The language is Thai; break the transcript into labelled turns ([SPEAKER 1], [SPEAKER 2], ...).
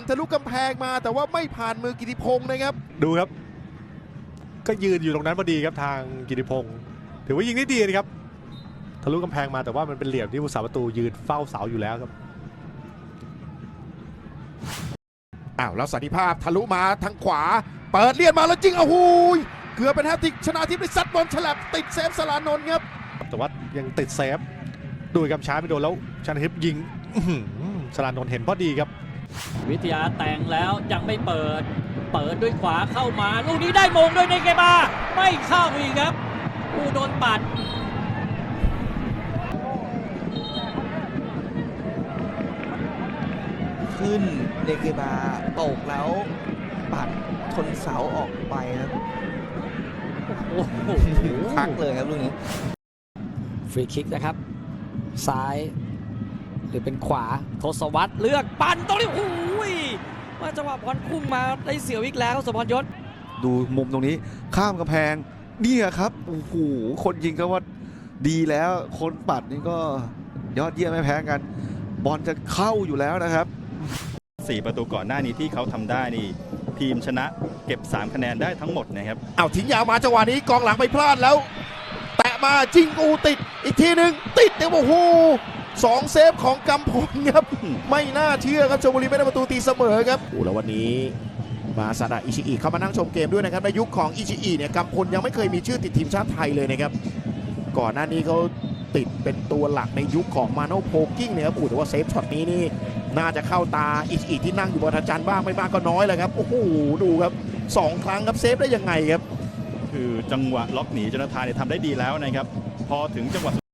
[SPEAKER 1] ทะลุกำแพงมาแต่ว่าไม่ผ่านมือกิติพงศ์นะครับ
[SPEAKER 2] ดูครับก็ยืนอยู่ตรงนั้นพอดีครับทางกิติพงศ์ถือว่ายิงได้ดีนะครับทะลุกำแพงมาแต่ว่ามันเป็นเหลี่ยมที่ผู้สาประตูยืนเฝ้าเสาอยู่แล้วครับ
[SPEAKER 1] แล้วสันติภาพทะลุมาทางขวาเปิดเลียนมาแล้วจริงเกือบเป็นแฮตทริกชนะทิพย์ได้ซัดบอลฉลับติดเซฟสลานนท์ครับ
[SPEAKER 2] แต่ว่ายังติดเซฟดูกำช้าไม่โดนแล้วชนะทิพย์ยิงสลานนท์เห็นพอดีครับ
[SPEAKER 3] วิทยาแต่งแล้วยังไม่เปิดด้วยขวาเข้ามาลูกนี้ได้มงด้วยในเกบาไม่เข้าอีกครับผู้โดนปัด
[SPEAKER 4] ขึ้นเดเกบาตกแล้วปัดชนเสาออกไปครับ
[SPEAKER 3] โอ้โห
[SPEAKER 4] พักเลยครับลูกนี้
[SPEAKER 3] ฟรีคิกนะครับซ้ายหรือเป็นขวาทศวรรษเลือกปั่นตรงนี้โอ้ยมาจังหวะบอลพุ่งมาได้เสียวอีกแล้วสมพรยศ
[SPEAKER 5] ดูมุมตรงนี้ข้ามกำแพงนี่ครับโอ้โหคนยิงก็ว่าดีแล้วคนปัดนี่ก็ยอดเยี่ยมไม่แพ้กันบอลจะเข้าอยู่แล้วนะครับ
[SPEAKER 6] 4 ประตูก่อนหน้านี้ที่เขาทำได้นี่ทีมชนะเก็บ3 คะแนนได้ทั้งหมดนะครับ
[SPEAKER 1] ทิ้งยาวมาจังหวะนี้กองหลังไปพลาดแล้วแตะมาจริงติดอีกทีหนึ่งติดเดี๋ยวโอ้โห2 เซฟของกำพลครับไม่น่าเชื่อครับชลบุรีไม่ได้ประตูตีเสมอครับแล้ววันนี้มาซาดะอิชิอิเข้ามานั่งชมเกมด้วยนะครับในยุคของอิชิอิเนี่ยกำพลยังไม่เคยมีชื่อติดทีมชาติไทยเลยนะครับก่อนหน้านี้เขาติดเป็นตัวหลักในยุคของมาโนโพกิ้งเนี่ยครับแต่ว่าเซฟช็อตนี้นี่น่าจะเข้าตาอิชิอิที่นั่งอยู่บนทัจันบ้างไม่บ้างก็น้อยเลยครับโอ้โหดูครับ2 ครั้งครับเซฟได้ยังไงครับ
[SPEAKER 6] คือจังหวะล็อกหนีจนทานเนี่ยทำได้ดีแล้วนะครับพอถึงจังหวะ